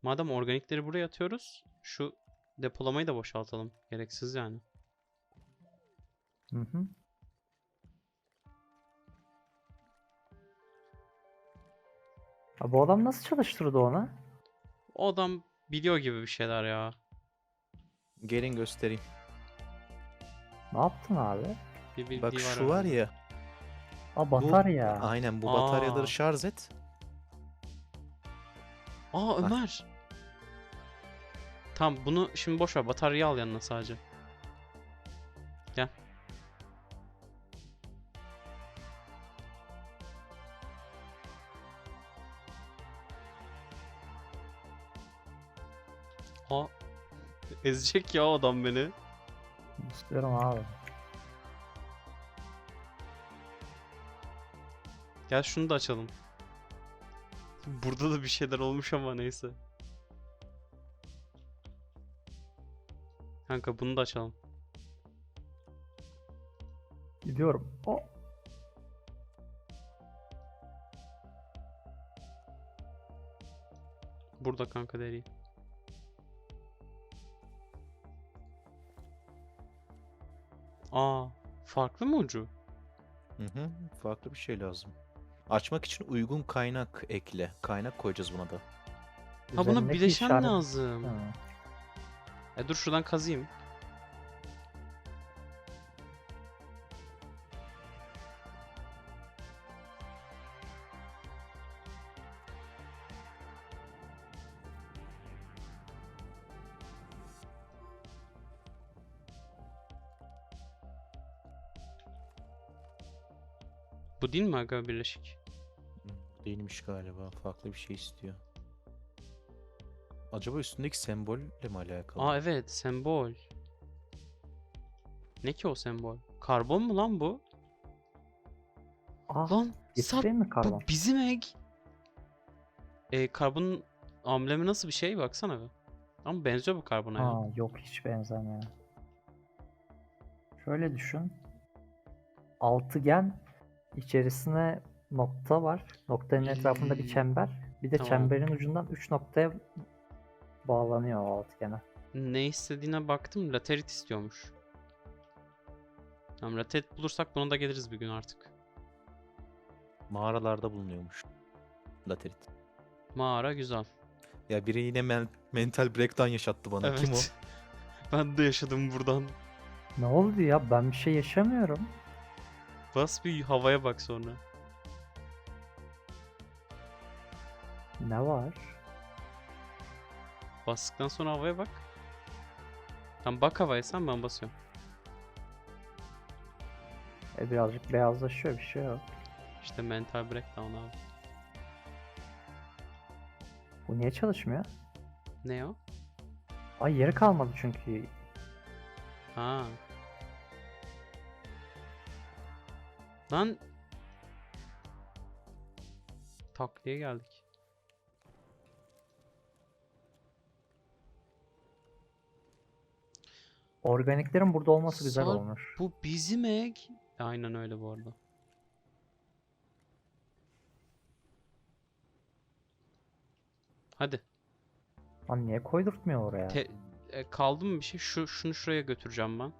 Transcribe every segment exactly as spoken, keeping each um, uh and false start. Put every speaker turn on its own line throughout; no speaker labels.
Madem organikleri buraya atıyoruz, şu depolamayı da boşaltalım. Gereksiz yani.
Hı hı. Ha, bu adam nasıl çalıştırdı onu?
O adam biliyor gibi bir şeyler ya.
Gelin göstereyim.
Ne yaptın abi?
Bir
Bak
bildiği var
şu var
herhalde.
ya.
Aa,
Bu
batarya.
aynen bu
Aa.
bataryaları şarj et.
Aa
Bak
Ömer. Tamam bunu şimdi boş ver. Bataryayı al yanına sadece. Gel. Aa. Ezecek ya o adam beni.
İstiyorum abi.
Gel şunu da açalım. Burada da bir şeyler olmuş ama neyse. Kanka bunu da açalım.
Gidiyorum. O.
Burada kanka deri. Aa, farklı mı ucu?
hı hı, farklı bir şey lazım. Açmak için uygun kaynak ekle. Kaynak koyacağız buna da.
Ha buna
Üzerindeki
bileşen
işaret.
lazım.
Hı.
E dur şuradan kazıyım. Bu değil mi aga birleşik?
Hı, değilmiş galiba. Farklı bir şey istiyor. Acaba üstündeki sembolle mi alakalı?
Aa evet sembol. Ne ki o sembol? Karbon mu lan bu?
Ah,
Lan Sarp
getireyim mi
bu
karbon?
bizim egg. E, karbonun amblemi nasıl bir şey baksana be. Ama benziyor bu karbona ya.
Ha, yok hiç benzemiyor. Şöyle düşün. Altıgen içerisine nokta var. Noktanın etrafında bir
Hmm,
çember. Bir de
tamam.
çemberin ucundan üç noktaya bağlanıyor o altıgene.
Ne istediğine baktım. Laterit istiyormuş. Tamam laterit bulursak buna da geliriz bir gün artık.
Mağaralarda bulunuyormuş. Laterit.
Mağara güzel.
Ya biri yine men- mental breakdown yaşattı bana. Kim o?
Evet. Ben de yaşadım buradan.
Ne oldu ya? Ben bir şey yaşamıyorum.
Bas bir havaya bak sonra.
Ne var?
Bastıktan sonra havaya bak. Tamam bak havaya sen ben basıyorum.
E, birazcık beyazlaşıyor, bir şey yok.
İşte mental breakdown abi.
Bu niye çalışmıyor?
Ne o?
Ay, yeri kalmadı çünkü.
Ha. Lan. Takliye geldik.
Organiklerin burada olması güzel
Sarp
olmuş.
bu bizim egg. Aynen öyle bu arada. Hadi.
Lan niye koydurtmuyor oraya?
Te e, kaldı mı bir şey? Şu şunu şuraya götüreceğim ben.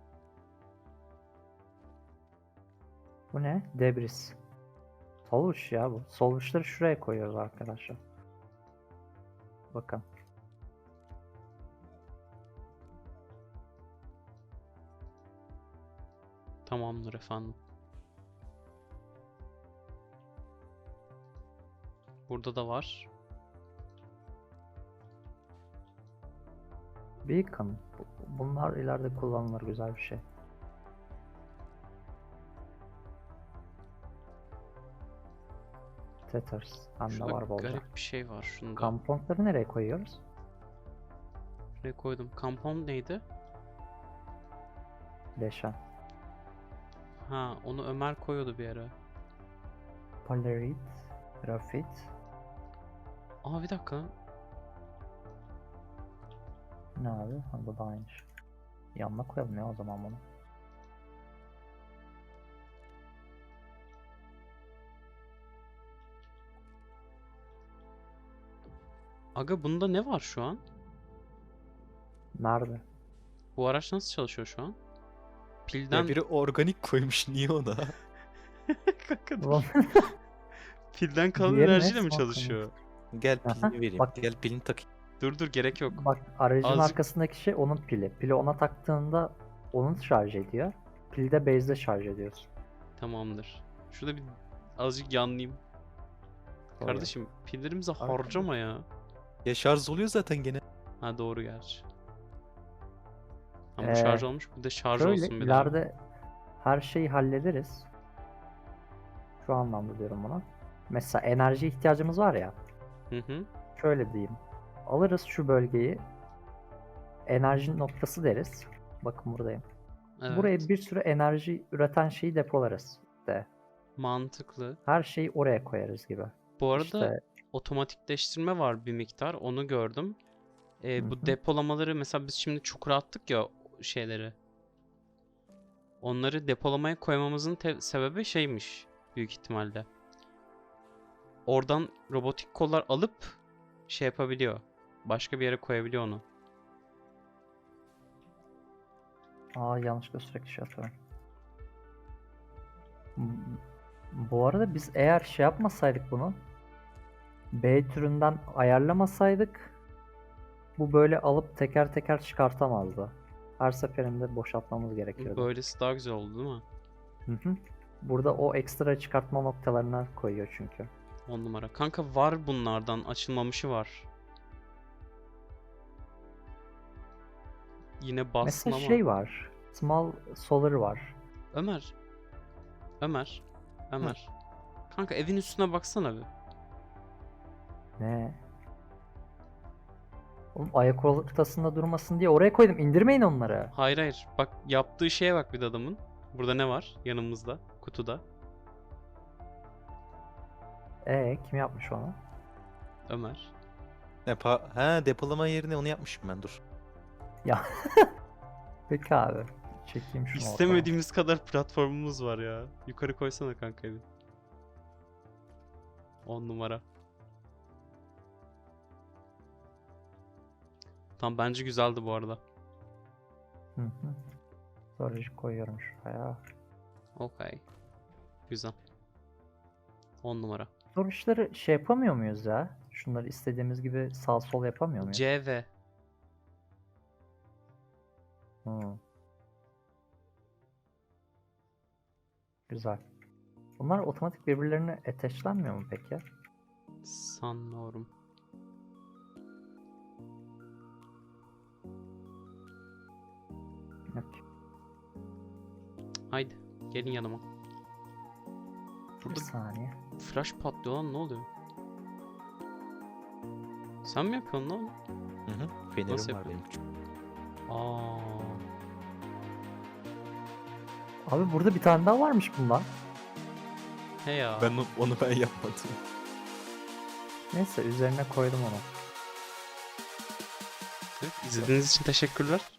Bu ne? Debris. Solvuş ya bu. Solvuşları şuraya koyuyoruz arkadaşlar. Bakın.
Tamamdır efendim. Burada da var.
Beacon. Bu- Bunlar ileride kullanılır, güzel bir şey. Tethers. Bende
Şurada
var bolca.
garip bir şey var. Şunu da
Compoundları nereye koyuyoruz?
şuraya koydum. Compound neydi?
Leşen.
Ha onu Ömer koyuyordu bir ara.
Polarit. Grafit.
Aa bir dakika.
Ne abi? Ha, bu da aynı şey. Yanına koyalım ya o zaman bunu.
Aga bunda ne var şu an?
Nerede?
Bu araç nasıl çalışıyor şu an? Pilden...
Ya biri organik koymuş niye ona?
Kanka dur.
Ulan,
Pilden kalan
diğeri ne?
enerjiyle mi
Son
çalışıyor?
Gel
Aha,
pilini vereyim.
bak.
Gel pilini takayım.
Dur dur gerek yok.
bak aracın
Azıcık-
arkasındaki şey onun pili. Pili ona taktığında onu şarj ediyor. Pili de base'de şarj ediyorsun.
Tamamdır. Şurada bir azıcık yanlayayım.
Koy.
Kardeşim pillerimizi
Arkada.
harcama ya.
Ya şarj oluyor zaten gene.
Ha doğru gerçi. Ama bu
Ee,
şarj olmuş. Bu da şarj
Şöyle
olsun bir daha.
ileride her şeyi hallederiz. Şu anlamda diyorum buna. Mesela enerji ihtiyacımız var ya.
Hı hı.
Şöyle diyeyim. Alırız şu bölgeyi. Enerji noktası deriz. Bakın buradayım.
Evet.
Buraya bir sürü enerji üreten şeyi depolarız. De.
Mantıklı.
Her şeyi oraya koyarız gibi.
Bu arada
İşte
otomatikleştirme var bir miktar. Onu gördüm. Ee,
Hı
bu
hı.
depolamaları mesela biz şimdi çukura attık ya şeyleri. Onları depolamaya koymamızın te- sebebi şeymiş büyük ihtimalle. Oradan robotik kollar alıp şey yapabiliyor. Başka bir yere koyabiliyor onu.
Aa yanlışlıkla sürekli şey atıyorum. M- Bu arada biz eğer şey yapmasaydık bunu B türünden ayarlamasaydık bu böyle alıp teker teker çıkartamazdı. Her seferinde boşaltmamız gerekiyordu.
Böylesi daha güzel oldu değil mi?
Hı hı. Burada o ekstra çıkartma noktalarına koyuyor çünkü.
On numara. Kanka var bunlardan. Açılmamışı var. Yine bassın
Mesela
ama.
şey var. Small solar var.
Ömer. Ömer. Ömer. Kanka evin üstüne baksana bir.
Ne? Oğlum ayak ortasında durmasın diye oraya koydum. İndirmeyin onları.
Hayır hayır. Bak yaptığı şeye bak bir de adamın. Burada ne var? Yanımızda. Kutuda.
Ee kim yapmış onu?
Ömer.
Ne pa- ha depolama yerine onu yapmışım ben dur.
Ya. Peki abi. Çekeyim şunu ortaya.
İstemediğimiz kadar platformumuz var ya. Yukarı koysana kanka evi. On numara. Tam bence güzeldi bu arada.
Hı hı. Storage koyuyorum şuraya.
Okay. Güzel. On numara.
Storage'ları şey yapamıyor muyuz ya? Şunları istediğimiz gibi sağ sol yapamıyor muyuz?
C V.
Hı. Güzel. Bunlar otomatik birbirlerine eteşlenmiyor mu peki?
Sanmıyorum.
Yok.
Haydi. Gelin yanıma.
Bir
Burada
saniye.
flash patlıyor lan ne oluyor? Sen mi yapıyorsun lan?
Hı hı. Fenerim
Nasıl
var
yapıyorsun?
benim.
Aa.
Abi burada bir tane daha varmış bundan.
He ya.
Ben onu, onu ben yapmadım.
Neyse üzerine koydum onu.
Evet, İzlediğiniz için teşekkürler.